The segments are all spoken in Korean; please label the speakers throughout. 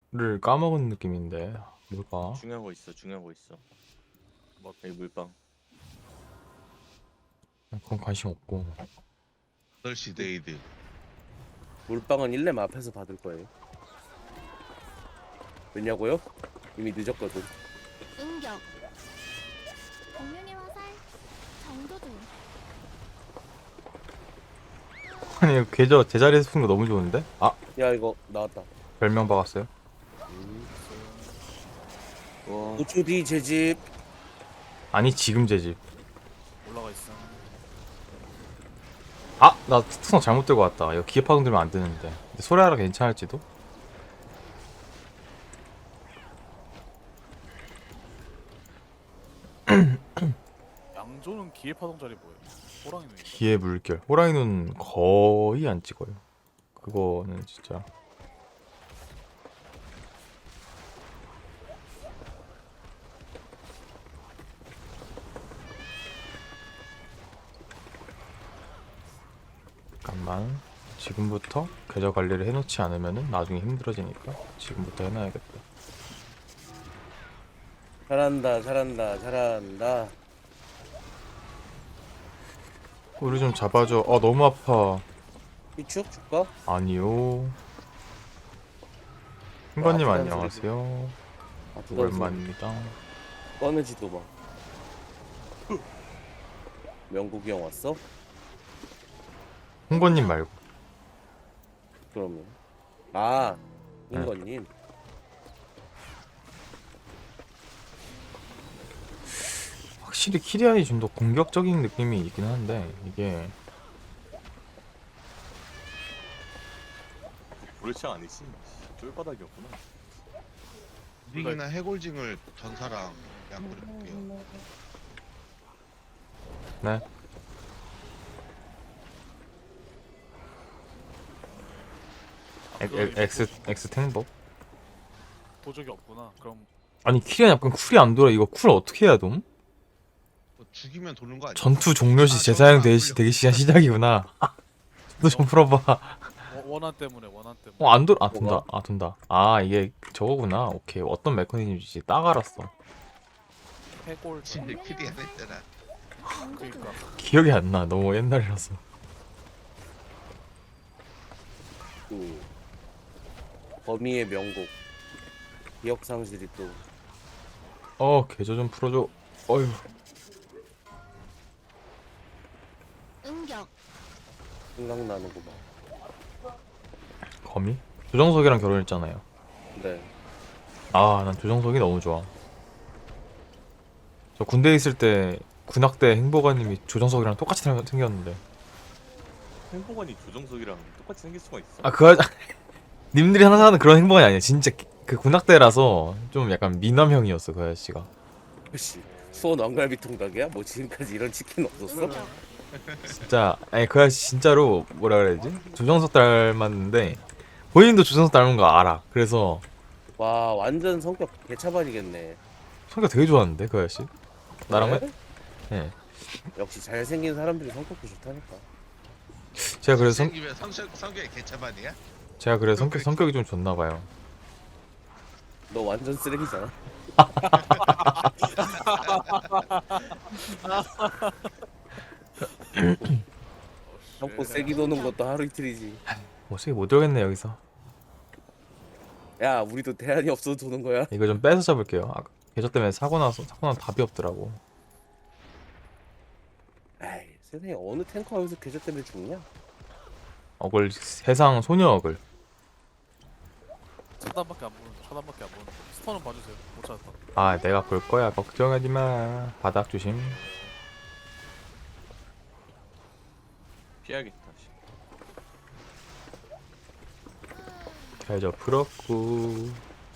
Speaker 1: 까먹은 느낌인데 뭘까?
Speaker 2: 중요한 거 있어. 중요한 거 있어.
Speaker 3: 뭐
Speaker 2: 여기 물방.
Speaker 1: 그건 관심 없고.
Speaker 3: 8시 데이드.
Speaker 4: 물방은 1렘 앞에서 받을 거예요. 왜냐고요? 이미 늦었거든.
Speaker 5: 응격 공룡의 화살 정도도
Speaker 1: 아니 계좌 제자리에서 푼 거 너무 좋은데? 아
Speaker 4: 야 이거 나왔다.
Speaker 1: 별명 박았어요?
Speaker 2: 와.
Speaker 4: 5초 뒤 제집.
Speaker 1: 아니 지금 제 집.
Speaker 6: 올라가 있어.
Speaker 1: 아! 나 특성 잘못 들고 왔다. 이거 기계 파동 들면 안 되는데. 근데 소리하라 괜찮을지도?
Speaker 6: 양조는 기회 파동자리 뭐예요? 호랑이 눈인가?
Speaker 1: 기계 물결. 호랑이 눈 거의 안 찍어요. 그거는 진짜. 잠깐만. 지금부터 계좌 관리를 해놓지 않으면은 나중에 힘들어지니까 지금부터 해놔야겠다.
Speaker 4: 잘한다 잘한다 잘한다.
Speaker 1: 우리 좀 잡아줘. 너무 아파.
Speaker 4: 희축 줄까?
Speaker 1: 아니요. 흰건님
Speaker 4: 아,
Speaker 1: 안녕하세요.
Speaker 4: 아, 부담스러워.
Speaker 1: 오랜만입니다.
Speaker 4: 꺼내지도 마. 명국이 형 왔어?
Speaker 1: 홍건님 말고.
Speaker 4: 그러면 아
Speaker 1: 네.
Speaker 4: 인건님.
Speaker 1: 확실히 키리안이 좀 더 공격적인 느낌이 있긴 한데 이게
Speaker 2: 불치 아니지. 쫄바닥이었구나.
Speaker 3: 링이나 해골징을 전사랑 양보를 볼게요.
Speaker 1: 네. X 탱법.
Speaker 6: 도적이 없구나. 그럼
Speaker 1: 아니 키리안 약간 쿨이 안 돌아. 이거 쿨 어떻게 해야 돔?
Speaker 3: 뭐 죽이면 도는 거 아니야?
Speaker 1: 전투 종료 시 재사용 대기 시간 시작이구나. 저도 좀 풀어봐.
Speaker 6: 원한 때문에 원한 때문에.
Speaker 1: 안 돌아. 돈다. 돈다. 이게 저거구나. 오케이. 어떤 메커니즘인지 딱 알았어.
Speaker 6: 해골
Speaker 3: 진짜 키리 안 했잖아.
Speaker 5: 정도도
Speaker 6: 그러니까
Speaker 1: 기억이 안 나. 너무 옛날이라서.
Speaker 4: 그 범위의 명곡. 기억 상실이 또
Speaker 1: 계좌 좀 풀어줘. 어휴.
Speaker 5: 응격
Speaker 4: 생각나는구만.
Speaker 1: 거미? 조정석이랑 결혼했잖아요.
Speaker 4: 네.
Speaker 1: 난 조정석이 너무 좋아. 저 군대에 있을 때 군악대 행보관님이 조정석이랑 똑같이 생겼는데.
Speaker 2: 행복원이 조정석이랑 똑같이 생길 수가 있어.
Speaker 1: 님들이 항상 하는 그런 행보관이 아니야. 진짜 그 군악대라서 좀 약간 미남형이었어 그 아저씨가.
Speaker 4: 혹시 수원 왕갈비 통닭이야? 뭐 지금까지 이런 치킨 없었어?
Speaker 5: 응격
Speaker 1: 진짜 그 아저씨 진짜로 뭐라 그래야 되지? 조정석 닮았는데 본인도 조정석 닮은 거 알아. 그래서
Speaker 4: 와 완전 성격 개차반이겠네.
Speaker 1: 성격 되게 좋았는데 그 아저씨. 나랑
Speaker 4: 그래?
Speaker 1: 예.
Speaker 4: 역시 잘생긴 사람들이 성격도 좋다니까.
Speaker 1: 제가 그래서
Speaker 3: 생기면 성격이 개차반이야?
Speaker 1: 성격이 좀 좋나 봐요.
Speaker 4: 너 완전 쓰레기잖아. 형포 세기 도는 것도 하루 이틀이지.
Speaker 1: 어떻게 못 들겠네 여기서.
Speaker 4: 야 우리도 대안이 없어도 도는 거야.
Speaker 1: 이거 좀 빼서 잡을게요. 계좌 때문에 사고 나서 답이 없더라고.
Speaker 4: 에이 세상에 어느 탱커 하면서 계좌 때문에 죽냐?
Speaker 1: 어글 세상 소녀 어글.
Speaker 6: 차단밖에 안 보는. 차단밖에 안 보는. 스턴은 봐주세요. 못 찾았다.
Speaker 1: 내가 볼 거야. 걱정하지 마. 바닥 조심.
Speaker 2: 피하겠다. 씨.
Speaker 1: 계좌 풀었고.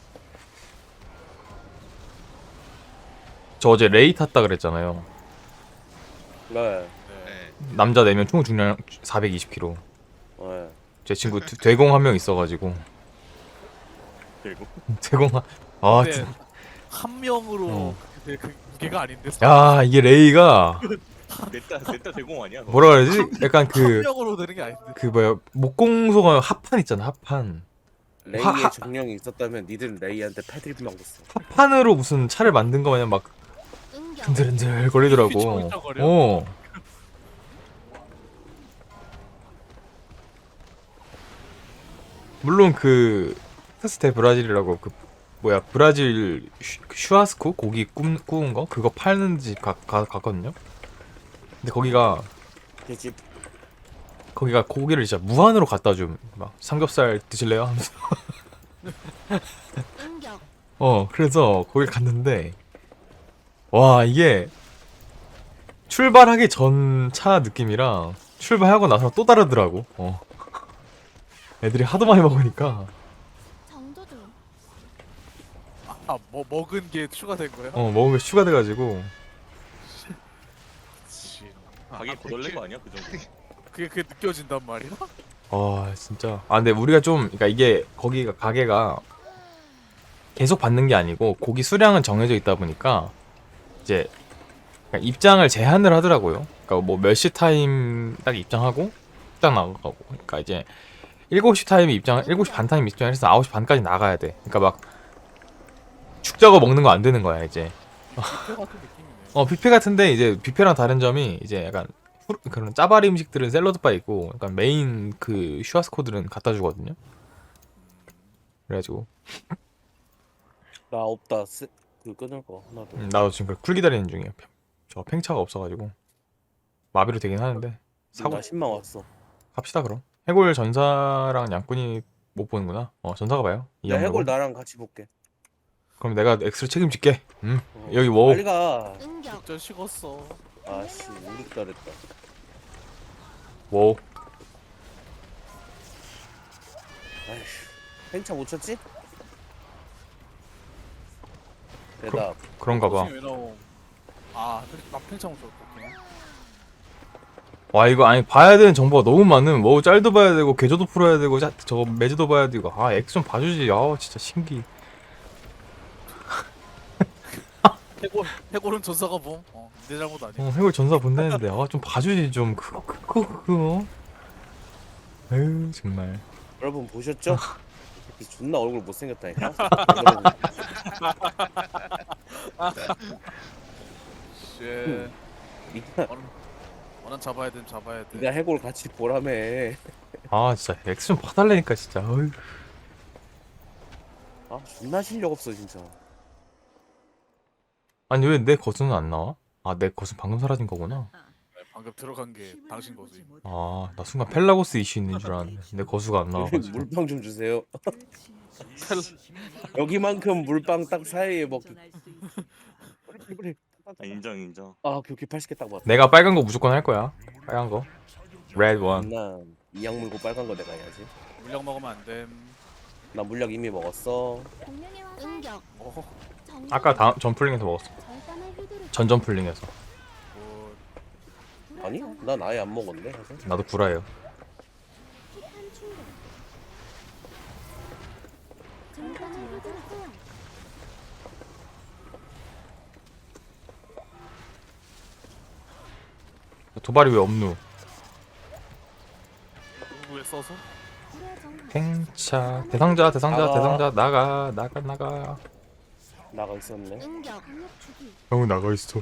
Speaker 1: 저 어제 레이 탔다 그랬잖아요.
Speaker 4: 네.
Speaker 6: 네.
Speaker 3: 네.
Speaker 1: 남자 4명 총 중량 420kg.
Speaker 4: 네.
Speaker 1: 제 친구 대공 한 명 있어가지고.
Speaker 2: 그리고
Speaker 1: 대공
Speaker 6: 근데 한 명으로
Speaker 1: 어.
Speaker 6: 그 무게가 아닌데.
Speaker 1: 이게 레이가
Speaker 2: 넷다 대공 아니야? 너?
Speaker 1: 뭐라 그러지? 약간
Speaker 6: 한 명으로 되는 게 아닌데.
Speaker 1: 목공소가 합판 있잖아 합판.
Speaker 4: 레이의 정령이 있었다면 니들은 레이한테 패드립 먹었어.
Speaker 1: 판으로 무슨 차를 만든 거 마냥 막
Speaker 5: 응격.
Speaker 1: 흔들흔들 거리더라고.
Speaker 6: 휘청휘청거려?
Speaker 1: 어. 물론 그 테스테 브라질이라고 그 뭐야 브라질 슈아스코 고기 구운 거 그거 파는 집 갔거든요. 근데
Speaker 4: 그집
Speaker 1: 거기가 고기를 진짜 무한으로 갖다 줌. 막 삼겹살 드실래요? 하면서.
Speaker 5: 응격.
Speaker 1: 그래서 거기 갔는데 와 이게 출발하기 전 차 느낌이랑 출발하고 나서 또 다르더라고. 애들이 하도 많이 먹으니까
Speaker 5: 정조주.
Speaker 6: 뭐 먹은 게 추가된 거야?
Speaker 1: 먹은 게 추가돼가지고
Speaker 6: 그치.
Speaker 2: 가게 거덜낸 거 아니야 그 정도?
Speaker 6: 그게 느껴진단 말이야?
Speaker 1: 진짜 근데 우리가 좀 그러니까 이게 거기가 가게가 계속 받는 게 아니고 고기 수량은 정해져 있다 보니까 이제 그러니까 입장을 제한을 하더라고요. 그러니까 뭐 몇 시 타임 딱 입장하고 딱 나가고 그러니까 이제 7시 타임에 7시 반 타임 입장을 해서 9시 반까지 나가야 돼. 그러니까 막 죽 작업 먹는 거 안 되는 거야 이제.
Speaker 6: 뷔페 같은 느낌이네.
Speaker 1: 뷔페 같은데 이제 뷔페랑 다른 점이 이제 약간 그런 짜바리 음식들은 샐러드 바 있고 약간 메인 그 슈아스코들은 갖다 주거든요. 그래가지고
Speaker 4: 나 없다. 그 끊을 거 하나도.
Speaker 1: 나도 지금 쿨 기다리는 중이야. 저 팽차가 없어가지고 마비로 되긴 하는데 사고
Speaker 4: 나 10만 왔어.
Speaker 1: 갑시다 그럼. 해골 전사랑 양꾼이 못 보는구나. 전사가 봐요. 이
Speaker 4: 야,
Speaker 1: 양으로.
Speaker 4: 해골 나랑 같이 볼게.
Speaker 1: 그럼 내가 엑스를 책임질게. 여기 뭐
Speaker 4: 빨리 가.
Speaker 5: 응격.
Speaker 6: 진짜 식었어.
Speaker 4: 아씨, 우리 잘했다.
Speaker 1: 뭐
Speaker 4: 아휴, 팽차 못 쳤지? 대답.
Speaker 1: 그런가 봐.
Speaker 6: 왜 나옴? 나 팽창 줬거든.
Speaker 1: 와 이거 아니 봐야 되는 정보가 너무 많음. 뭐 짤도 봐야 되고 계좌도 풀어야 되고 저거 매주도 봐야 되고 엑스 좀 봐주지. 진짜 신기.
Speaker 6: 해골은 전사가 뭐? 내 잘못 아니야.
Speaker 1: 해골 전사 본다는데 좀 봐주지 좀 그거. 에휴 정말.
Speaker 4: 여러분 보셨죠? 존나 얼굴 못생겼다니까.
Speaker 6: 쉣.
Speaker 4: 니가
Speaker 6: 원한 잡아야 돼, 잡아야 돼.
Speaker 4: 니가 해골 같이 보라며.
Speaker 1: 진짜 엑스 좀 봐달라니까 진짜. 어휴.
Speaker 4: 존나 실력 없어 진짜.
Speaker 1: 아니 왜 내 거수는 안 나와? 내 거수 방금 사라진 거구나.
Speaker 6: 방금 들어간 게 당신 거지.
Speaker 1: 나 순간 펠라고스 이슈 있는 줄 알았는데 내 거수가 안 나와가지고.
Speaker 4: 물빵 좀 주세요. 여기만큼 물빵 딱 사이에 먹기. 그래.
Speaker 2: 인정.
Speaker 4: 오케이 80개 딱 맞다.
Speaker 1: 내가 빨간 거 무조건 할 거야. 빨간 거. 레드 원.
Speaker 4: 나 이약 물고 빨간 거 내가 해야지.
Speaker 6: 물량 먹으면 안 됨.
Speaker 4: 나 물약 이미 먹었어.
Speaker 5: 공룡의 화살. 응격. 정조주.
Speaker 1: 아까 전풀링에서 먹었어.
Speaker 5: 절단의 휘두르기.
Speaker 1: 전전풀링에서.
Speaker 6: 뭐,
Speaker 4: 아니? 난 아예 안 먹었네. 사실.
Speaker 1: 나도 구라예요.
Speaker 5: 힙한 충돌. 절단의 휘두르기.
Speaker 1: 도발이 왜 없누?
Speaker 6: 누구에 써서?
Speaker 5: 불의 정화.
Speaker 1: 팽차 대상자
Speaker 4: 나가.
Speaker 1: 나가.
Speaker 4: 나가 있었네.
Speaker 5: 응격. 강력 주기.
Speaker 1: 형은 나가 있어.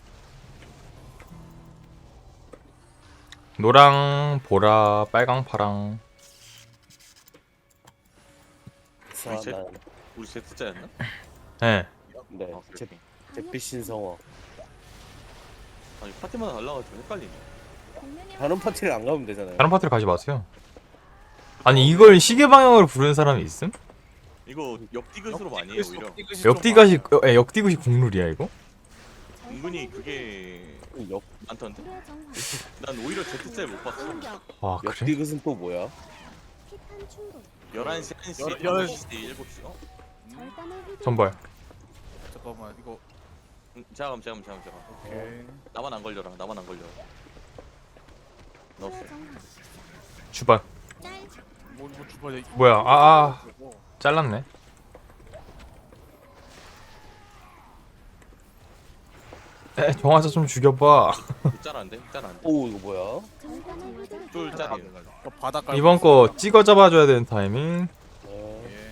Speaker 1: 노랑, 보라, 빨강, 파랑.
Speaker 4: 자, 난
Speaker 2: 우리 Z자였나?
Speaker 1: 네.
Speaker 4: 네.
Speaker 2: 오케이.
Speaker 4: 잿빛 신성어.
Speaker 2: 아니 파티마다 달라가지고 헷갈리네.
Speaker 5: 공룡의
Speaker 4: 다른 파티를 안 가면 되잖아요.
Speaker 1: 다른 파티를 가지 마세요. 아니 이걸 시계 방향으로 부르는 사람이 있음?
Speaker 2: 이거 역디귿으로 많이 해 오히려.
Speaker 1: 역디귿이 국룰이야 이거?
Speaker 2: 은근히 그게
Speaker 4: 역
Speaker 2: 많던데.
Speaker 5: 불의 정화.
Speaker 2: 난 오히려 Z자를 못 봤어.
Speaker 5: 응격.
Speaker 1: 와 그래?
Speaker 4: 역디귿은 또 뭐야?
Speaker 5: 힙한 충돌.
Speaker 2: 11시, 1시,
Speaker 6: 11시.
Speaker 2: 5시, 7시.
Speaker 5: 절단의 휘두르기.
Speaker 1: 전발.
Speaker 6: 잠깐만 이거.
Speaker 2: 잠깐만.
Speaker 6: 오케이.
Speaker 2: 나만 안 걸려라. 나만 안 걸려. 넣었어.
Speaker 5: 불의 정화.
Speaker 1: 주발.
Speaker 5: 짤.
Speaker 6: 뭐 주발이야.
Speaker 1: 뭐야? 잘랐네. 정화자 좀 죽여봐.
Speaker 2: 짤안돼? 짤안돼.
Speaker 4: 오 이거 뭐야?
Speaker 5: 절단의 휘두르기.
Speaker 2: 쫄 짤이에요.
Speaker 6: 바닥 깔고
Speaker 1: 이번 거 찍어 잡아줘야 되는 타이밍.
Speaker 4: 네.
Speaker 6: 예.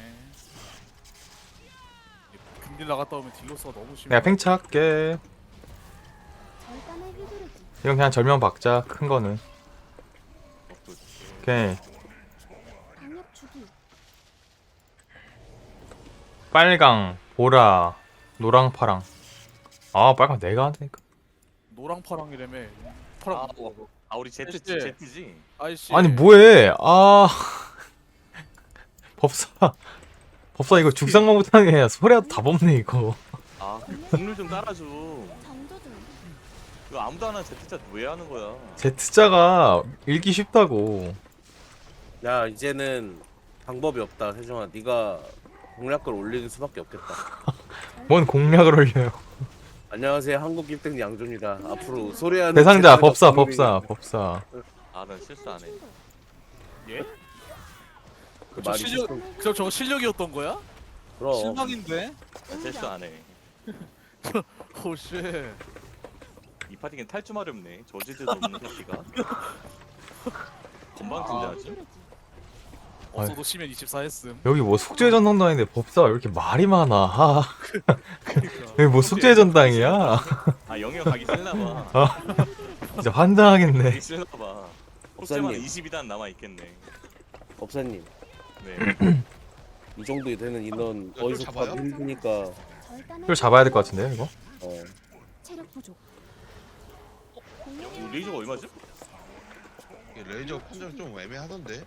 Speaker 6: 딜 나갔다 오면 딜로스가 너무 심해.
Speaker 1: 내가 팽차할게.
Speaker 5: 절단의 휘두르기.
Speaker 1: 이건 그냥 절명 박자 큰 거는. 오케이.
Speaker 5: 강력 주기.
Speaker 1: 빨강, 보라, 노랑, 파랑. 아 빨강 내가 한다니까.
Speaker 6: 노랑 파랑이라며. 파랑.
Speaker 2: 우리 제트
Speaker 6: 아이씨.
Speaker 2: 제트지.
Speaker 6: 아이씨.
Speaker 1: 아니 뭐해? 아 법사 이거 죽상만 못하게 소리라도 다 법네 이거.
Speaker 2: 국룰 좀 깔아줘.
Speaker 5: 정조준.
Speaker 2: 이거 아무도 안 하는 제트자 왜 하는 거야?
Speaker 1: Z자가 읽기 쉽다고.
Speaker 4: 야 이제는 방법이 없다 세종아. 네가 공략글 올리는 수밖에 없겠다.
Speaker 1: 뭔 공략을 올려요.
Speaker 4: 안녕하세요 한국 1등 양조입니다. 앞으로 소리하는
Speaker 1: 대상자
Speaker 4: 제트가
Speaker 1: 법사
Speaker 4: 국룰이-
Speaker 1: 법사.
Speaker 2: 난 실수 안 해.
Speaker 6: 예?
Speaker 4: 그
Speaker 6: 저
Speaker 4: 말이
Speaker 6: 실력, 저거 실력이었던 거야?
Speaker 4: 그럼
Speaker 6: 실망인데?
Speaker 2: 난 실수 안 해.
Speaker 6: 오쉣.
Speaker 2: 이 파티는 탈주 마렵네. 저지대도 없는 파티가. 건방진자지.
Speaker 5: 휘두르기.
Speaker 6: 없어도 시면 24 했음.
Speaker 1: 여기 뭐 숙제 전당당인데 법사가 왜 이렇게 말이 많아. 아,
Speaker 6: 그러니까.
Speaker 1: 여기 뭐 숙제 전당이야?
Speaker 2: 영역 가기 싫나봐.
Speaker 1: 진짜 환장하겠네.
Speaker 2: 가기 싫나봐.
Speaker 4: 법사님.
Speaker 2: 혹시만 22단 남아 있겠네.
Speaker 4: 법사님
Speaker 2: 네.
Speaker 4: 이 정도 되는 인원
Speaker 3: 이거
Speaker 4: 어디서
Speaker 3: 잡아요?
Speaker 4: 가기 힘드니까
Speaker 5: 절단의
Speaker 1: 이걸 잡아야 될 것 같은데 이거?
Speaker 5: 체력 부족.
Speaker 2: 이거 레이저가 얼마죠?
Speaker 3: 이게 레이저 판정 좀 애매하던데.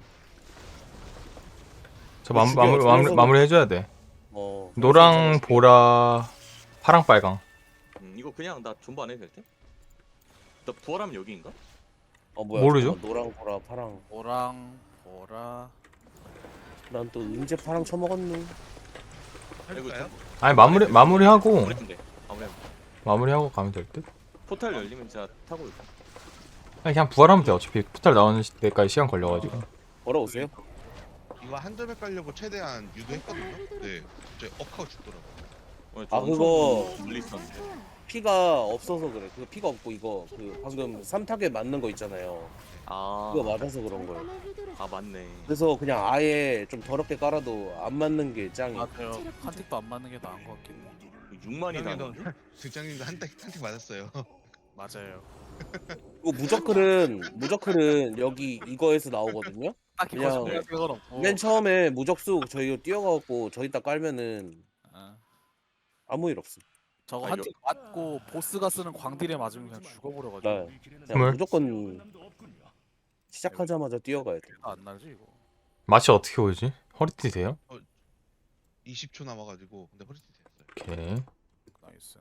Speaker 1: 저
Speaker 4: 죽여,
Speaker 1: 마무리 해줘야 돼.
Speaker 4: 어
Speaker 1: 노랑, 보라, 파랑, 빨강.
Speaker 2: 이거 그냥 나 존버 안 해도 될 때? 나 부활하면 여기인가?
Speaker 4: 뭐야
Speaker 1: 모르죠?
Speaker 4: 잠깐만, 노랑 보라 파랑.
Speaker 6: 노랑, 보라.
Speaker 4: 난 또 언제 파랑 처먹었누.
Speaker 3: 해볼까요?
Speaker 1: 아니 마무리하고
Speaker 2: 그랬는데. 아무래도
Speaker 1: 마무리하고 가면 될 듯.
Speaker 2: 포탈 열리면 제가 타고 올게.
Speaker 1: 아니 그냥 부활하면 돼. 어차피 포탈 나오는 데까지 시간 걸려가지고.
Speaker 4: 걸어오세요.
Speaker 3: 이거 한 점에 깔려고 최대한 유도했거든요. 네, 갑자기 억하고 죽더라고.
Speaker 2: 오늘
Speaker 4: 아,
Speaker 2: 엄청
Speaker 4: 그거-
Speaker 2: 물리쳤는데.
Speaker 4: 피가 없어서 그래. 그 피가 없고 이거 그 방금 3타겟 맞는 거 있잖아요. 그거 맞아서 그런 거예요.
Speaker 5: 절단의 휘두르기.
Speaker 2: 맞네.
Speaker 4: 그래서 그냥 아예 좀 더럽게 깔아도 안 맞는 게 짱이.
Speaker 6: 맞아요. 한 틱도 안 맞는 게 나은 것 같긴 해.
Speaker 2: 6만이 나는데?
Speaker 3: 등장님도 한대 맞았어요.
Speaker 6: 맞아요.
Speaker 4: 이거 무적클은 여기 이거에서 나오거든요.
Speaker 6: 딱히
Speaker 4: 그냥-
Speaker 6: 거짓말 생각은 없고.
Speaker 4: 맨 처음에 무적수 저희 뛰어가고 저기다 깔면은
Speaker 6: 아,
Speaker 4: 아무 일 없음.
Speaker 6: 저거
Speaker 2: 아,
Speaker 6: 한 틱 맞고 보스가 쓰는 광딜에 맞으면 그냥 죽어버려가지고.
Speaker 4: 네. 그냥
Speaker 1: 정말?
Speaker 4: 무조건 시작하자마자 뛰어가야 돼.
Speaker 6: 안 날지 이거.
Speaker 1: 맛이 어떻게 오지? 허리띠 돼요?
Speaker 3: 20초 남아가지고 근데 허리띠 됐어요.
Speaker 1: 오케이.
Speaker 6: 나이스.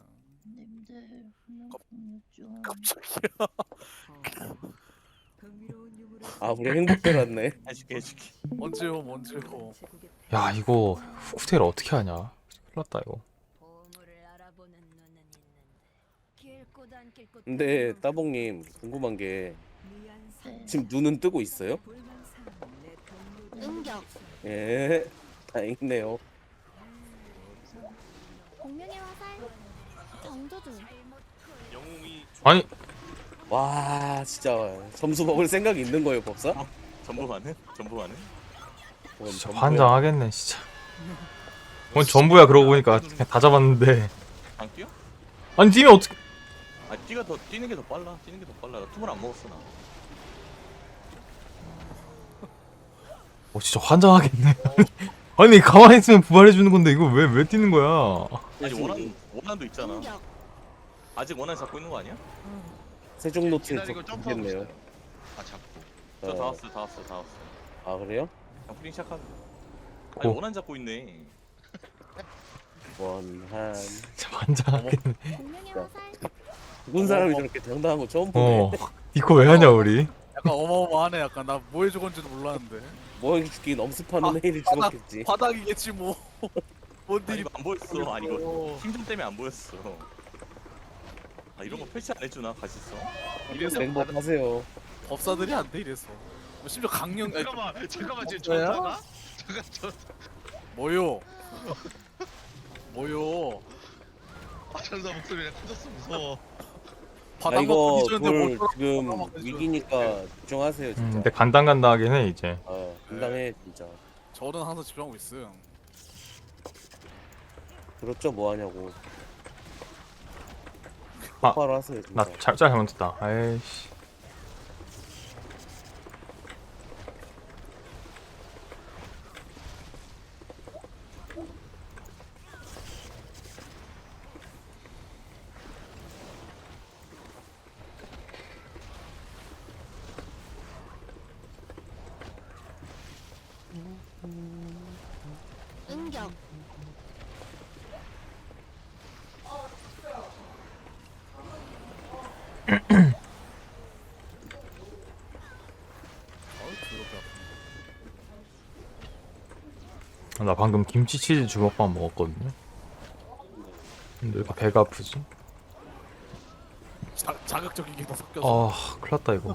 Speaker 4: 아 우리 행복들 왔네.
Speaker 2: 해줄게.
Speaker 6: 언제 옴 언제 옴.
Speaker 1: 야 이거 후쿠테를 어떻게 하냐? 큰일 났다 이거.
Speaker 5: 보물을 알아보는 눈은 있는데 길고도 안 길고도
Speaker 4: 근데 따봉님 궁금한 게 지금 눈은 뜨고 있어요?
Speaker 5: 응격.
Speaker 4: 예, 다행이네요.
Speaker 5: 공명의 화살. 정조준.
Speaker 2: 영웅이
Speaker 1: 아니
Speaker 4: 와 진짜 점수 먹을 생각이 있는 거예요 법사?
Speaker 2: 전부만은? 전부만은?
Speaker 4: 그럼
Speaker 1: 진짜
Speaker 4: 전부야.
Speaker 1: 환장하겠네 진짜. 뭔 전부야 그러고 보니까 그냥 다 잡았는데.
Speaker 2: 안 뛰어?
Speaker 1: 아니 팀이 어떻게?
Speaker 2: 뛰는 게 더 빨라. 뛰는 게 더 빨라. 나 투물 안 먹었어 나.
Speaker 1: 진짜 환장하겠네. 아니 가만히 있으면 부활해 주는 건데 이거 왜 뛰는 거야?
Speaker 2: 아직 원한도 있잖아.
Speaker 5: 응격.
Speaker 2: 아직 원한 잡고 있는 거 아니야?
Speaker 4: 세종 노트에
Speaker 3: 기다리고 점프하고
Speaker 4: 적겠네요.
Speaker 3: 있어요. 아 잡고.
Speaker 2: 저 다 왔어.
Speaker 4: 아 그래요?
Speaker 2: 그냥 프링 시작하자. 아니
Speaker 1: 오.
Speaker 2: 원한 잡고 있네.
Speaker 4: 원한
Speaker 1: 진짜 환장하겠네.
Speaker 5: 공명의 화살.
Speaker 4: 죽은 사람이 저렇게 당당한 거 처음 보네.
Speaker 1: 이거 왜 하냐 우리?
Speaker 6: 약간 어마어마하네. 약간 나 뭐 해주건지도 몰랐는데.
Speaker 4: 뭐 죽긴 엄습하는
Speaker 6: 아,
Speaker 4: 애들이
Speaker 6: 바닥-
Speaker 4: 죽었겠지.
Speaker 6: 바닥이겠지 뭐. 뭔
Speaker 2: 아니
Speaker 6: 일이.
Speaker 2: 이거 안 보였어. 아니 이거 힘좀 때문에 안 보였어. 아 이런 거 패치 안 해주나 가시어?
Speaker 6: 이래서
Speaker 4: 맹법 하세요.
Speaker 6: 법사들이 안 돼 이래서. 뭐 심지어 강령. 아니,
Speaker 3: 잠깐만 지금
Speaker 6: 뭐야?
Speaker 3: 전사가? 잠깐 저
Speaker 6: 뭐요? 뭐요?
Speaker 3: 전사 목소리가 커졌어 무서워.
Speaker 4: 아
Speaker 6: 바닥
Speaker 4: 이거
Speaker 6: 먹기 전에
Speaker 4: 돌
Speaker 6: 뭘
Speaker 4: 지금
Speaker 6: 바닥
Speaker 4: 위기니까 집중하세요 진짜.
Speaker 1: 근데 간당간당하긴 해 이제.
Speaker 4: 감당해 진짜.
Speaker 6: 저는 항상 집중하고 있음.
Speaker 4: 그렇죠 뭐 하냐고.
Speaker 1: 아,
Speaker 4: 똑바로 하세요 진짜.
Speaker 1: 나 잘못했다. 아이씨.
Speaker 5: 응격.
Speaker 6: 더럽게 아프네.
Speaker 1: 나 방금 김치치즈 주먹밥 먹었거든요. 근데 왜 이렇게 배가 아프지?
Speaker 6: 자극적인 게 더 섞여서.
Speaker 1: 아, 큰일 났다 이거.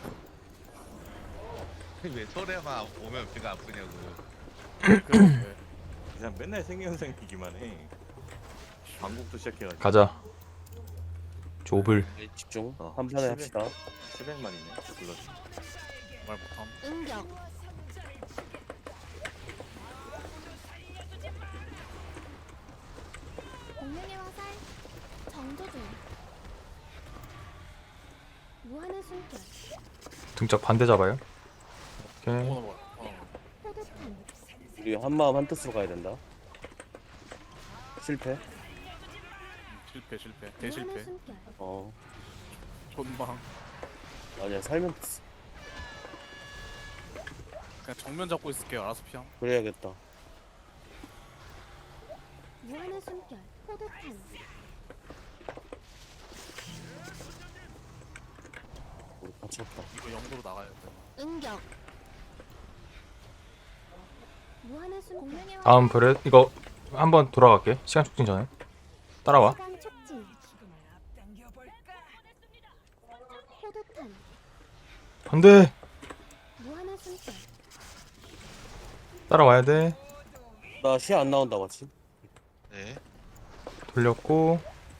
Speaker 3: 왜 설에만 오면 배가 아프냐고.
Speaker 6: 그래.
Speaker 2: 그냥 맨날 생리현상이기만 해. 방국도 시작해가지고.
Speaker 1: 가자. 조블.
Speaker 4: 집중.
Speaker 2: 어,
Speaker 4: 한 판에 합시다.
Speaker 2: 700만이네. 불러.
Speaker 6: 말 못함.
Speaker 5: 응격. 공명의 화살. 정조준. 무한의 숨결.
Speaker 1: 등짝 반대 잡아요. 오케이.
Speaker 6: 어머나 뭐야.
Speaker 5: 포도탄.
Speaker 4: 우리 한 마음 한 뜻으로 가야 된다. 실패.
Speaker 6: 실패.
Speaker 5: 무한의
Speaker 6: 대실패.
Speaker 5: 숨결.
Speaker 6: 존망.
Speaker 4: 아니야 살면 됐어.
Speaker 6: 그냥 정면 잡고 있을게요. 알아서 피함.
Speaker 4: 그래야겠다.
Speaker 5: 무한의 숨결. 포도탄.
Speaker 4: 우리 같이 없다.
Speaker 6: 이거 영도로 나가야 돼.
Speaker 5: 응격. 무한의 숨결. 공명의 화살.
Speaker 1: 다음 브렛 이거 한번 돌아갈게. 시간 촉진 전에. 따라와.
Speaker 5: 시간 촉진. 포도탄.
Speaker 1: 안돼.
Speaker 5: 무한의 숨결.
Speaker 1: 따라와야 돼.
Speaker 4: 나 시야 안 나온다 마치.
Speaker 3: 네.
Speaker 1: 돌렸고.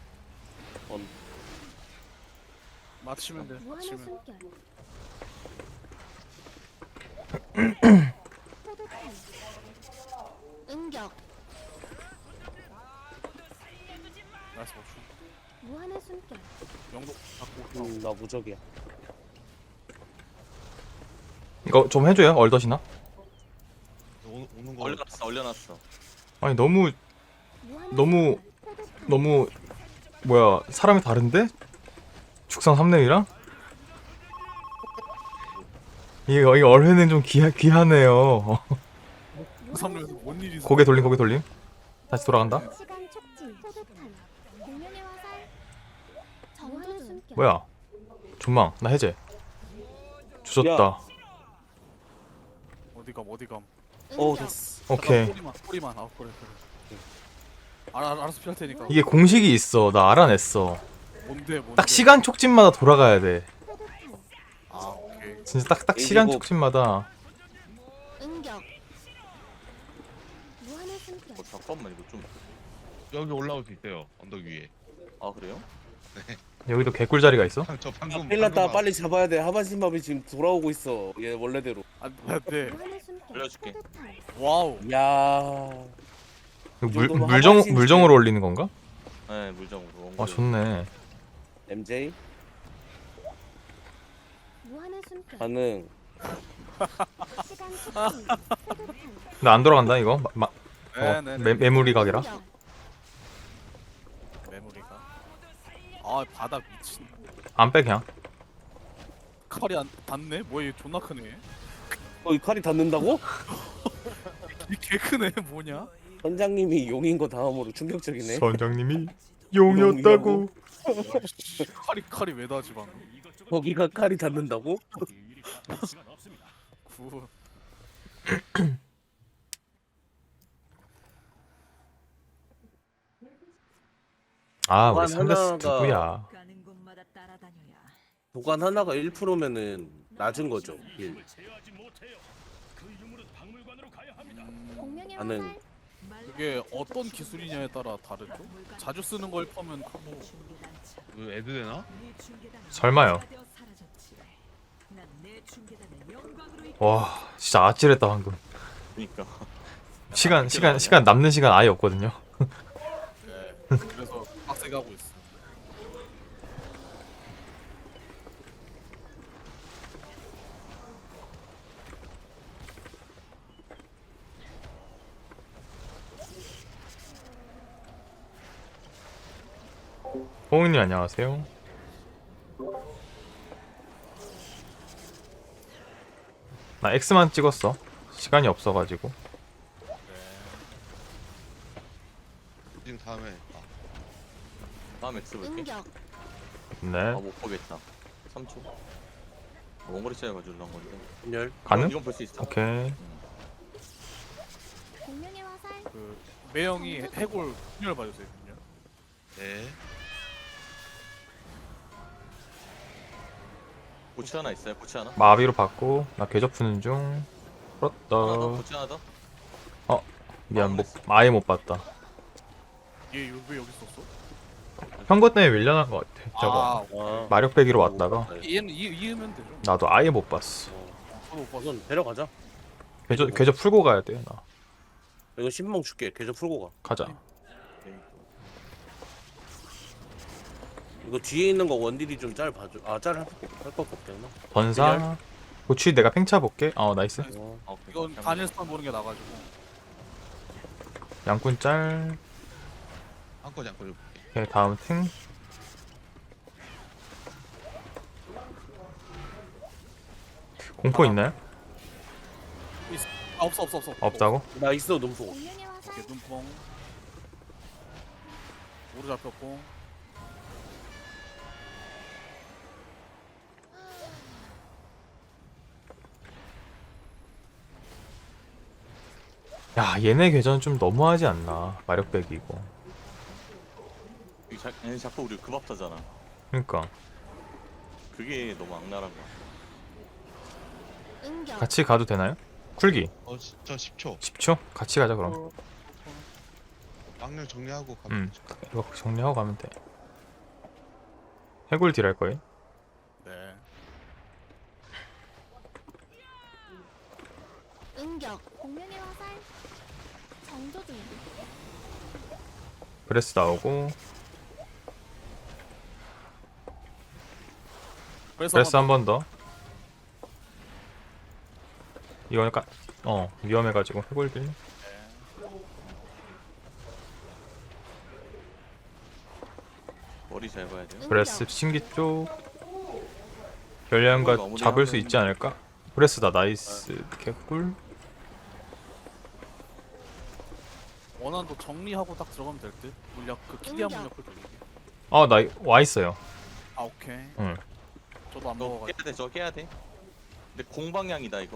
Speaker 6: 맞히면 돼.
Speaker 5: 무한의
Speaker 6: 맞히면.
Speaker 5: 숨결. 포도탄. 응격.
Speaker 6: 나이스 맞춤.
Speaker 5: 무한의 숨결.
Speaker 6: 영도 갖고.
Speaker 4: 나 무적이야.
Speaker 1: 이거 좀 해줘요. 얼덧이나.
Speaker 3: 오는 거.
Speaker 2: 얼려놨어.
Speaker 1: 아니 너무
Speaker 5: 무한의
Speaker 1: 너무-
Speaker 5: 숨결. 포도탄.
Speaker 1: 너무 뭐야 사람이 다른데? 축성 3렙이랑? 이거 얼회는 좀 귀하네요.
Speaker 6: 삼루에서 뭔 일이 있어?
Speaker 1: 고개 돌림. 다시 돌아간다.
Speaker 5: 시간 촉진. 포도탄. 공명의 화살. 무한의 숨결.
Speaker 1: 뭐야? 존망 나 해제. 주졌다.
Speaker 6: 어디감.
Speaker 4: 오
Speaker 5: 응격.
Speaker 4: 됐어.
Speaker 1: 오케이.
Speaker 6: 꼬리만. 아 그래. 알아서 피할 테니까.
Speaker 1: 이게 공식이 있어. 나 알아냈어.
Speaker 6: 뭔데?
Speaker 1: 딱 시간 촉진마다 돌아가야 돼.
Speaker 5: 포도탄.
Speaker 6: 아 오케이.
Speaker 1: 진짜 딱 시간
Speaker 4: 이거-
Speaker 1: 촉진마다.
Speaker 5: 응격. 무한의 숨결.
Speaker 2: 잠깐만 이거 좀.
Speaker 3: 여기 올라올 수 있어요. 언덕 위에.
Speaker 2: 아 그래요?
Speaker 1: 여기도 개꿀 자리가 있어?
Speaker 3: 저 방금.
Speaker 4: 큰일 났다.
Speaker 3: 방금
Speaker 4: 빨리 잡아야 돼. 하반신밥이 지금 돌아오고 있어. 얘 원래대로.
Speaker 6: 안돼.
Speaker 5: 무한의 숨결.
Speaker 2: 알려줄게.
Speaker 5: 포도탄.
Speaker 6: 와우.
Speaker 4: 야.
Speaker 1: 이거
Speaker 4: 정도면 하반신이지.
Speaker 1: 물정으로 올리는 건가?
Speaker 2: 네 물정으로.
Speaker 1: 아 좋네.
Speaker 4: MJ
Speaker 5: 무한의 숨결.
Speaker 4: 가능.
Speaker 5: 시간 촉진. 포도탄.
Speaker 1: 나 안 돌아간다 이거.
Speaker 6: 네네네.
Speaker 1: 메모리 각이라.
Speaker 5: 응격.
Speaker 6: 메모리가. 아 바닥 미친.
Speaker 1: 안 빼 그냥.
Speaker 6: 칼이 안 닿네? 뭐야 얘 존나 크네.
Speaker 4: 이 칼이 닿는다고?
Speaker 6: 이 개 크네 뭐냐?
Speaker 4: 선장님이 용인 거 다음으로 충격적이네.
Speaker 1: 선장님이 용이었다고.
Speaker 6: 칼이 왜 닿지 방금?
Speaker 4: 거기가 칼이 닿는다고?
Speaker 6: 구.
Speaker 1: 아 우리
Speaker 4: 보안
Speaker 1: 삼레스
Speaker 4: 하나가-
Speaker 1: 누구야?
Speaker 5: 가는 곳마다 따라다녀야.
Speaker 4: 도관 하나가 1%면은 낮은 거죠. 1.
Speaker 5: 공명의
Speaker 4: 나는-
Speaker 5: 화살.
Speaker 6: 그게 어떤 기술이냐에 따라 다르죠? 자주 쓰는 걸 퍼면 크고
Speaker 3: 이거 애드 되나?
Speaker 1: 설마요. 와 진짜 아찔했다 방금.
Speaker 2: 그러니까.
Speaker 1: 시간 남는 시간 아예 없거든요.
Speaker 6: 그래서 빡세게 하고 있어.
Speaker 1: 호응님 안녕하세요. 나 X만 찍었어. 시간이 없어가지고.
Speaker 3: 지금 다음에
Speaker 2: 다음 X 볼게.
Speaker 5: 응격.
Speaker 1: 네.
Speaker 2: 못 보겠다. 3초. 원거리 차이가 줄란 건데.
Speaker 4: 분열.
Speaker 1: 가능?
Speaker 2: 이건 볼 수 있어.
Speaker 1: 오케이.
Speaker 5: 공룡의 화살.
Speaker 6: 그 매형이 해골 분열 봐주세요. 분열.
Speaker 3: 네.
Speaker 2: 고치 하나 있어요. 고치 하나.
Speaker 1: 마비로 받고 나 궤적 푸는 중.
Speaker 2: 하나 더.
Speaker 1: 풀었다.
Speaker 2: 고치 하나 더.
Speaker 1: 미안 아예 못 봤다.
Speaker 6: 얘 왜 여기 있었어?
Speaker 1: 현거 때문에 밀려난 것 같아. 저거
Speaker 4: 아.
Speaker 1: 마력 빼기로 왔다가
Speaker 6: 얘는 이으면 되죠.
Speaker 1: 나도 아예 못 봤어.
Speaker 6: 저도 못 봤어.
Speaker 4: 우선 데려가자.
Speaker 1: 궤적 풀고 가야 돼. 나
Speaker 4: 이거 신멍 줄게. 계좌 풀고 가.
Speaker 1: 가자.
Speaker 4: 이거 뒤에 있는 거 원딜이 좀 짤 봐줘. 짤 할 거 없겠나?
Speaker 1: 번사. 고치 내가 팽차 볼게. 나이스.
Speaker 4: 어.
Speaker 6: 이건 단일스턴 보는 게 나가지고.
Speaker 1: 양꾼 짤.
Speaker 3: 한꺼지 안 걸려.
Speaker 1: 오케이, 다음 탱. 공포 있나요?
Speaker 6: 없어.
Speaker 1: 없다고?
Speaker 4: 나 있어 눈포.
Speaker 5: 공룡의 화살.
Speaker 6: 오케이 눈뽕. 오로 잡혔고.
Speaker 1: 야 얘네 궤전 좀 너무하지 않나? 마력 빼기 이거.
Speaker 2: 얘는 자꾸 우리 급합하잖아.
Speaker 1: 그러니까
Speaker 2: 그게 너무 악랄한 거야.
Speaker 5: 응격.
Speaker 1: 같이 가도 되나요? 쿨기
Speaker 3: 저 10초.
Speaker 1: 10초? 같이 가자 그럼.
Speaker 3: 막내 정리하고 가면 되죠.
Speaker 1: 이거 정리하고 가면 돼. 해골 딜 할 거예요?
Speaker 6: 네.
Speaker 5: 응격. 공룡의 화살. 정조 중.
Speaker 1: 브레스 나오고 브레스 한 번 더. 이거 약간 위험해가지고 해골 딜.
Speaker 2: 머리 잘 봐야 돼요.
Speaker 1: 브레스 신기 쪽 결량과 잡을 수 있지 않을까? 브레스다 나이스 개꿀.
Speaker 6: 원한도 정리하고 딱 들어가면 될 듯. 물약 그 키리한 물약을 돌리기.
Speaker 1: 나 와 있어요.
Speaker 6: 아 오케이.
Speaker 1: 응.
Speaker 6: 저도 안
Speaker 2: 너
Speaker 6: 먹어가지고.
Speaker 2: 깨야 돼. 저 깨야 돼. 근데 공방향이다 이거.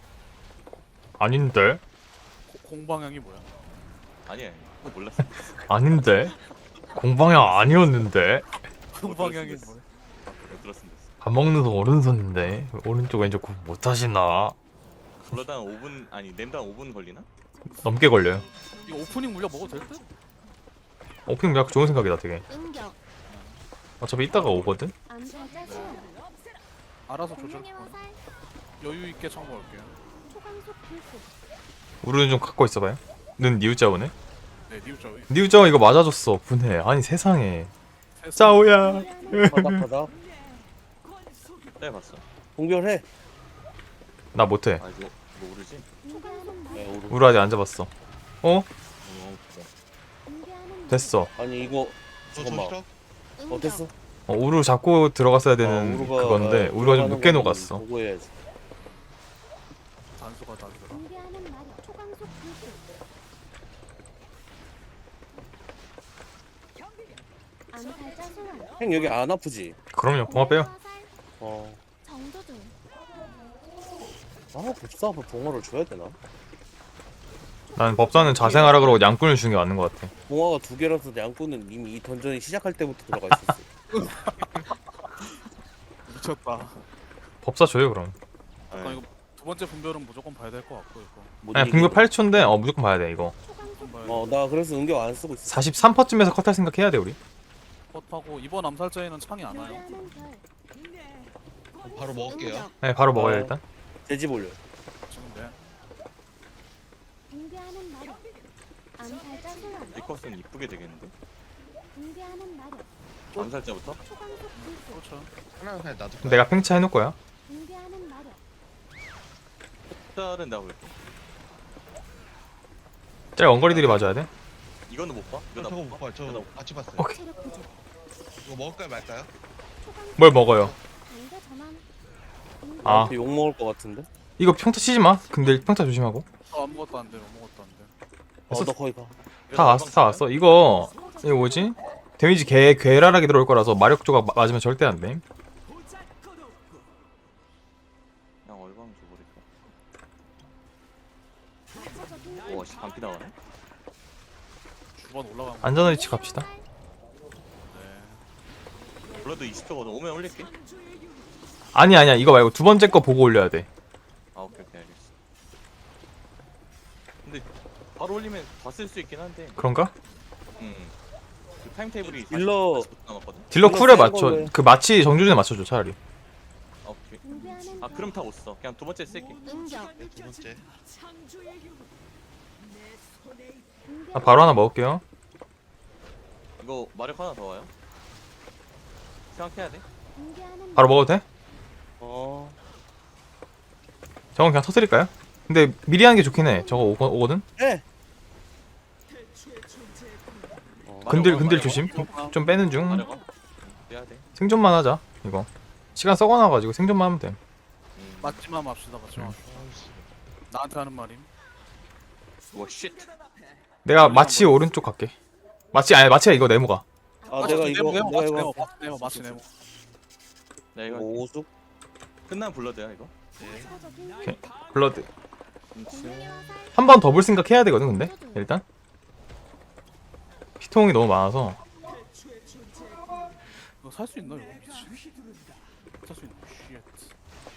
Speaker 1: 아닌데?
Speaker 6: 공방향이 뭐야?
Speaker 2: 아니야. 그거 몰랐어.
Speaker 1: 아닌데? 공방향 아니었는데?
Speaker 6: 공방향이 뭐야?
Speaker 2: 그거 들었으면 됐어.
Speaker 1: 밥 먹는 손 오른손인데 오른쪽 왼쪽 구분 못하시나?
Speaker 2: 불러당 5분 아니 냄당 5분 걸리나?
Speaker 1: 넘게 걸려요.
Speaker 6: 이거 오프닝 물약 먹어도 될 듯?
Speaker 1: 오프닝 약간 좋은 생각이다 되게.
Speaker 5: 응격.
Speaker 1: 어차피 이따가 오거든?
Speaker 5: 암살자 소환.
Speaker 6: 알아서 조절.
Speaker 5: 공룡의 화살.
Speaker 6: 여유 있게 참고할게요.
Speaker 5: 초강속 불꽃.
Speaker 1: 우르는 좀 갖고 있어봐요. 는 니우짜오네?
Speaker 6: 네, 니우자위.
Speaker 1: 니우짜오 이거 맞아줬어 분해. 아니 세상에 짜오야.
Speaker 4: 바닥바닥.
Speaker 2: 네 봤어.
Speaker 4: 공별해.
Speaker 1: 나 못해.
Speaker 2: 아 이거 모르지?
Speaker 5: 초강속
Speaker 4: 네, 오른.
Speaker 1: 우르 아직 안 잡았어.
Speaker 2: 너무
Speaker 5: 공개하는
Speaker 1: 됐어.
Speaker 4: 아니 이거
Speaker 3: 저
Speaker 4: 잠깐만.
Speaker 3: 저
Speaker 5: 응격.
Speaker 4: 어땠어?
Speaker 1: 우르 잡고 들어갔어야 되는 그건데 우르가 좀 늦게 녹았어.
Speaker 4: 보고 해야지.
Speaker 6: 단수가 다 들어.
Speaker 5: 공개하는 마력. 초강속 불꽃. 암살자 소환.
Speaker 4: 형 여기 안 아프지?
Speaker 1: 그럼요. 봉화 빼요.
Speaker 4: 어.
Speaker 5: 정조 중.
Speaker 4: 법사 앞에 봉화를 줘야 되나?
Speaker 1: 난 법사는 자생하라 그러고 양꾼을 주는 게 맞는 것 같아.
Speaker 4: 봉화가 2개라서 양꾼은 이미 이 던전이 시작할 때부터 들어가 있었어.
Speaker 6: 미쳤다.
Speaker 1: 법사 줘요 그럼.
Speaker 6: 잠깐 이거 두 번째 분별은 무조건 봐야 될 것 같고 이거.
Speaker 4: 못
Speaker 1: 아니
Speaker 4: 이기고.
Speaker 1: 분교 8초인데 무조건 봐야 돼 이거.
Speaker 5: 초강속
Speaker 6: 봐야
Speaker 4: 어, 나 그래서 응격 안 쓰고 있어.
Speaker 1: 43%쯤에서 컷할 생각 해야 돼 우리.
Speaker 6: 컷하고 이번 암살자에는 창이 안 와요.
Speaker 5: 교대하는 별.
Speaker 3: 바로 먹을게요.
Speaker 5: 응격.
Speaker 1: 네 바로 먹어요 일단.
Speaker 4: 돼지 볼려.
Speaker 6: 지금 네.
Speaker 5: 공개하는 마력. 암살자 소환.
Speaker 2: 리컷은 이쁘게 되겠는데?
Speaker 5: 붕괴하는 마력.
Speaker 2: 암살자부터?
Speaker 5: 초강속 불꽃.
Speaker 6: 그렇죠.
Speaker 3: 하나 그냥 놔둘 거야.
Speaker 1: 내가 팽차 해놓을 거야.
Speaker 5: 붕괴하는 마력.
Speaker 2: 짤은 내가 볼게.
Speaker 1: 짤 원거리들이 맞아야 돼.
Speaker 2: 이거는 못 봐? 이거 나
Speaker 3: 저거
Speaker 2: 못
Speaker 3: 못
Speaker 2: 봐?
Speaker 3: 봐요. 저
Speaker 2: 이거 나
Speaker 3: 같이 봤어요.
Speaker 1: 오케이.
Speaker 5: 체력 부족.
Speaker 3: 이거 먹을까요 말까요?
Speaker 5: 초강속
Speaker 1: 뭘 먹어요?
Speaker 5: 강제 전환. 붕괴.
Speaker 1: 아.
Speaker 4: 나한테 욕 먹을 것 같은데.
Speaker 1: 이거 평타 치지 마. 근데 평타 조심하고.
Speaker 6: 아무것도 안 돼. 아무것도 안 돼.
Speaker 4: 너 거기 가.
Speaker 1: 다 왔어, 다 왔어. 이거 뭐지? 데미지 괴랄하게 들어올 거라서 마력 조각 맞으면 절대 안 돼.
Speaker 2: 그냥 얼광 줘버릴까?
Speaker 5: 부차적인
Speaker 2: 우와 씨 반피 나가네?
Speaker 6: 주번 올라간 거.
Speaker 1: 안전한 위치 갑시다.
Speaker 6: 네.
Speaker 2: 블러드 20초거든. 오면 올릴게.
Speaker 1: 아니야. 이거 말고 두 번째 거 보고 올려야 돼.
Speaker 2: 아 오케이 알겠어. 근데 바로 올리면 다 쓸 수 있긴 한데.
Speaker 1: 그런가?
Speaker 2: 그 타임 테이블이
Speaker 4: 딜러-
Speaker 2: 40분 남았거든.
Speaker 1: 딜러
Speaker 4: 이거
Speaker 1: 쿨에
Speaker 4: 센
Speaker 1: 맞춰.
Speaker 4: 걸로 해.
Speaker 1: 그 마치 정준에 맞춰줘 차라리.
Speaker 2: 아 오케이.
Speaker 5: 붕괴하는
Speaker 2: 아 그럼 다 못 써. 그냥 두 번째 쓸게.
Speaker 5: 응격.
Speaker 3: 네, 두 번째.
Speaker 1: 아, 바로 하나 먹을게요.
Speaker 2: 이거 마력 하나 더 와요. 생각해야 돼.
Speaker 5: 붕괴하는
Speaker 1: 바로 먹어도 돼?
Speaker 4: 어.
Speaker 1: 저건 그냥 터뜨릴까요? 근데 미리 하는 게 좋긴 해. 저거 오거든?
Speaker 4: 해.
Speaker 1: 근들 조심. 좀 빼는 중.
Speaker 2: 마력 와. 해야 돼.
Speaker 1: 생존만 하자. 이거. 시간 썩어놔가지고 생존만 하면 돼.
Speaker 6: 맞지마 맙시다. 맞지마.
Speaker 3: 아이씨.
Speaker 6: 나한테 하는 말임.
Speaker 2: 와 쉣.
Speaker 1: 내가 마치 오른쪽 갈게. 마치가 이거 네모가.
Speaker 4: 아 내가 이거
Speaker 6: 네모
Speaker 4: 내가
Speaker 6: 맞지
Speaker 4: 이거
Speaker 6: 네모 마치 네모.
Speaker 2: 나 이거
Speaker 4: 오숙.
Speaker 2: 끝나면 블러드야 이거.
Speaker 3: 네.
Speaker 5: 부차적인
Speaker 1: 오케이. 블러드.
Speaker 2: 그렇지.
Speaker 1: 한 번 더 볼 생각 해야 되거든, 근데? 일단. 피통이 너무 많아서.
Speaker 6: 이거 살 수 있나 이거 미친. 살 수 있나? 쉣.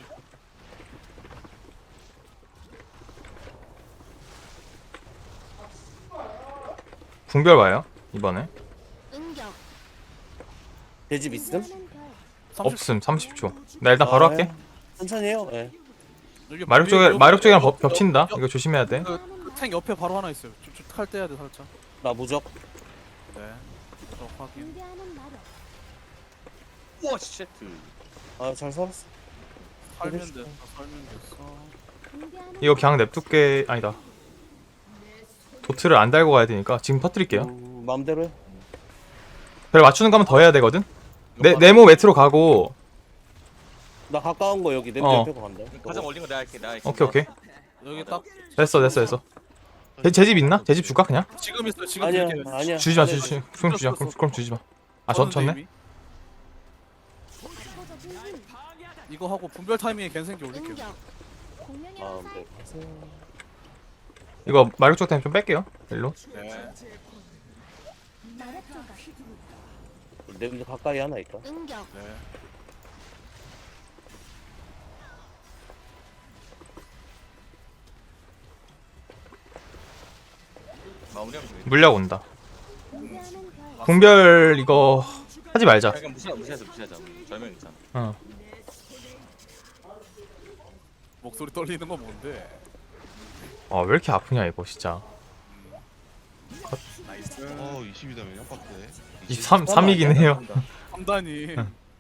Speaker 1: 궁별 와요, 이번에.
Speaker 5: 응격.
Speaker 4: 배집 있음?
Speaker 5: 붕괴하는 별.
Speaker 6: 30.
Speaker 1: 없음, 30초. 나 일단 바로
Speaker 4: 아,
Speaker 1: 할게.
Speaker 4: 예. 천천히 해요. 예.
Speaker 6: 여기
Speaker 1: 마력 쪽이랑 겹친다. 이거 조심해야 돼.
Speaker 6: 탱 옆에 바로 하나 있어요. 좀칼 떼야 돼 살짝.
Speaker 4: 나 무적.
Speaker 6: 네. 저 확인.
Speaker 5: 붕괴하는 마력.
Speaker 2: 와 쉣.
Speaker 4: 아 잘 살았어.
Speaker 6: 살면 됐어. 살면 됐어.
Speaker 5: 붕괴하는
Speaker 1: 이거 그냥 냅둘게. 아니다. 도트를 안 달고 가야 되니까 지금 터뜨릴게요.
Speaker 4: 마음대로 해.
Speaker 1: 별 맞추는 거 하면 더 해야 되거든? 네모 매트로 가고.
Speaker 4: 나 가까운 거 여기 내
Speaker 1: 어.
Speaker 4: 옆에 거 간다.
Speaker 2: 가장 올린 거 내가 할게. 내가 할게.
Speaker 1: 오케이.
Speaker 6: 여기 딱
Speaker 1: 됐어. 제 집 있나? 제 집 줄까, 그냥?
Speaker 6: 지금 있어. 지금
Speaker 4: 아니야
Speaker 6: 드릴게요.
Speaker 4: 아니야.
Speaker 1: 주지 마. 그럼 주지 마.
Speaker 6: 썼어.
Speaker 1: 그럼 주지 마. 아,
Speaker 6: 썼는데,
Speaker 1: 졌네?
Speaker 6: 이미?
Speaker 5: 부차적인 힘.
Speaker 6: 이거 하고 분별 타이밍에 갠생기 올릴게요.
Speaker 5: 응격. 공명의
Speaker 4: 아
Speaker 5: 화살.
Speaker 4: 네.
Speaker 1: 이거 마력 쪽 타임 좀 뺄게요. 일로.
Speaker 6: 네.
Speaker 5: 마력 조각.
Speaker 4: 내 가까이 하나 있다.
Speaker 5: 응격.
Speaker 6: 네.
Speaker 2: 마무리하면 돼.
Speaker 1: 물약 온다.
Speaker 5: 붕괴하는 별.
Speaker 1: 궁별 이거 하지 말자.
Speaker 2: 그냥 무시하자. 절명 있잖아.
Speaker 1: 어.
Speaker 6: 목소리 떨리는 건 뭔데?
Speaker 1: 아, 왜 이렇게 아프냐, 이거 진짜.
Speaker 6: 나이스.
Speaker 3: 20이다면 깜빡해.
Speaker 1: 23이긴 해요.
Speaker 6: 3단이